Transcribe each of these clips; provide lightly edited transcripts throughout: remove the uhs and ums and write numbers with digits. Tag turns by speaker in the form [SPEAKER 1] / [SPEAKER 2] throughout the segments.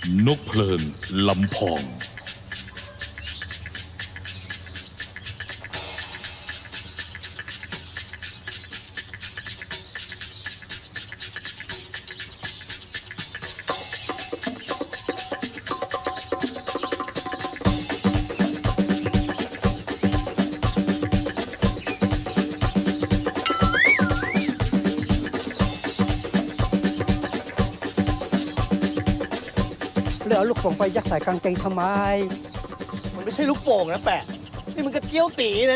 [SPEAKER 1] นกเพลินลำพอง
[SPEAKER 2] แล้วเอาลูกโป่งไปยัดใส่กางเกงทำไม
[SPEAKER 3] มันไม่ใช่ลูกโป่งนะแปะนี่มันกระเจียวตีนะ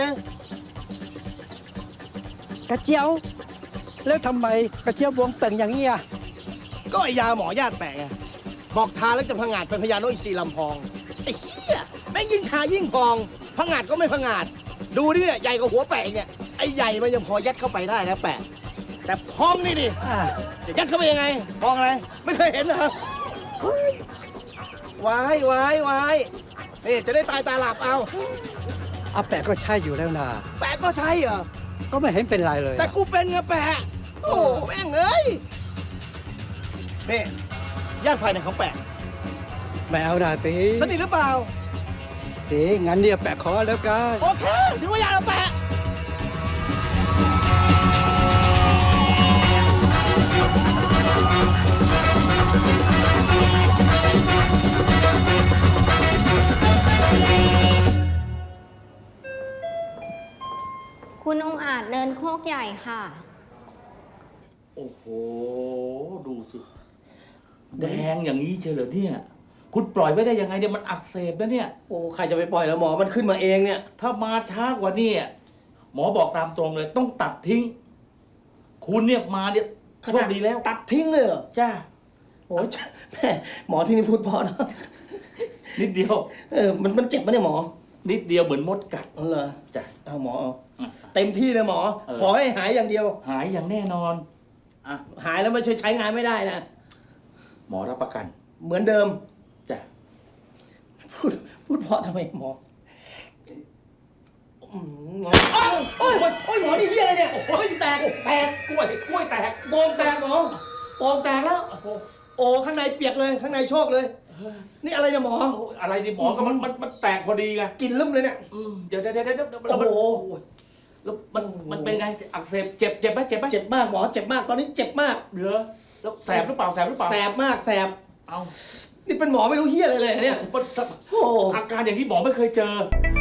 [SPEAKER 2] กระเจียว แล้วทำไมกระเจียวบวงเป่งอย่างนี้อ่ะ
[SPEAKER 3] ก็ไอยาหมอญาติแปะไงบอกทาแล้วจะพังงาดเป็นพญานกอินทรีลำพองไอ้เหี้ยแม่งยิ่งทายิ่งพองพังงาดก็ไม่พังงาดดูดิเนี่ยใหญ่กว่าหัวแปะอีกเนี่ยไอ้ใหญ่มันยังพอยัดเข้าไปได้นะแปะแต่พองนี่ดิ
[SPEAKER 2] อ่า
[SPEAKER 3] จะยัดเข้าไปยังไงพองอะไรไม่เคยเห็นเหรอวายวายวายนี่จะได้ตายตาหลับเอา
[SPEAKER 2] อาแปะก็ใช่อยู่แล้วนะ
[SPEAKER 3] แปะก็ใช่เหรอ
[SPEAKER 2] ก็ไม่เห็นเป็นไรเลย
[SPEAKER 3] แต่กูเป็นไงแปะโอ้แม่งเอ้ยนี่ญาติฝ่ายไหนของแปะ
[SPEAKER 2] ไม่เอาดาตี
[SPEAKER 3] สนิทหรือเปล่า
[SPEAKER 2] ตีงั้นเนี่ยแปะขอแล้วกัน
[SPEAKER 3] โอเคถือว่าญาติเราแปะ
[SPEAKER 4] คุณองค์อาจเนินโคกใหญ่ค่ะ
[SPEAKER 5] โอ้โห ดูสิ แดงอย่างนี้เชียวเหรอเนี่ย คุณปล่อยไว้ได้ยังไงเนี่ยมันอักเสบนะเนี่ย
[SPEAKER 3] โอ้ใครจะไปปล่อยแล้วหมอมันขึ้นมาเองเนี่ย
[SPEAKER 5] ถ้ามาช้ากว่านี้หมอบอกตามตรงเลย ต้องตัดทิ้ง คุณเนี่ยมาเนี่ยโชคดีแล้ว
[SPEAKER 3] ตัดทิ้งเลยเหรอ
[SPEAKER 5] จ้า
[SPEAKER 3] โอ้ยแม่หมอที่นี่พูดเพอนะ
[SPEAKER 5] นิดเดียว
[SPEAKER 3] มันเจ็บปะเนี่ยหมอ
[SPEAKER 5] นิดเดียวเหมือนมดกัด
[SPEAKER 3] อ๋อเหรอ
[SPEAKER 5] จ้ะ
[SPEAKER 3] เอาหมอเอา
[SPEAKER 5] อ่ะ
[SPEAKER 3] เต็มที่เลยหมอ ขอให้หายอย่างเดียว
[SPEAKER 5] หายอย่างแน่นอนอ่ะ
[SPEAKER 3] หายแล้วไม่ใช้งานไม่ได้นะ
[SPEAKER 5] หมอรับประกัน
[SPEAKER 3] เหมือนเดิม
[SPEAKER 5] จ้ะ
[SPEAKER 3] พูดเพราะทำไมหมอหมอโอ้ยหมอนี่เฮียอะไรเนี่ยโอ้ยแตก
[SPEAKER 5] กล้วยแตก
[SPEAKER 3] โป่งแตกหมอโป่งแตกแล้ว โอ้ข้างในเปียกเลยข้างในโชคเลย นี่อะไรเนี่ยหมอ
[SPEAKER 5] โอ้ยอะไรนี่หมอก็มันแตกพอดีไง
[SPEAKER 3] กินลืมเลยเนี่ย
[SPEAKER 5] เดี๋ยวแล้ว
[SPEAKER 3] โอ้โห
[SPEAKER 5] แล้วมันเป็นไงอักเสบเจ็บไหม
[SPEAKER 3] เจ็บมากหมอเจ็บมากตอนนี้เจ็บมาก
[SPEAKER 5] เหรอแล้วแสบหรือเปล่า
[SPEAKER 3] แสบมากแสบ
[SPEAKER 5] เอา
[SPEAKER 3] นี่เป็นหมอไม่รู้เฮียอะไรเลยเนี่ย
[SPEAKER 5] มัน
[SPEAKER 3] โอ้
[SPEAKER 5] อาการอย่างที่หมอไม่เคยเจอ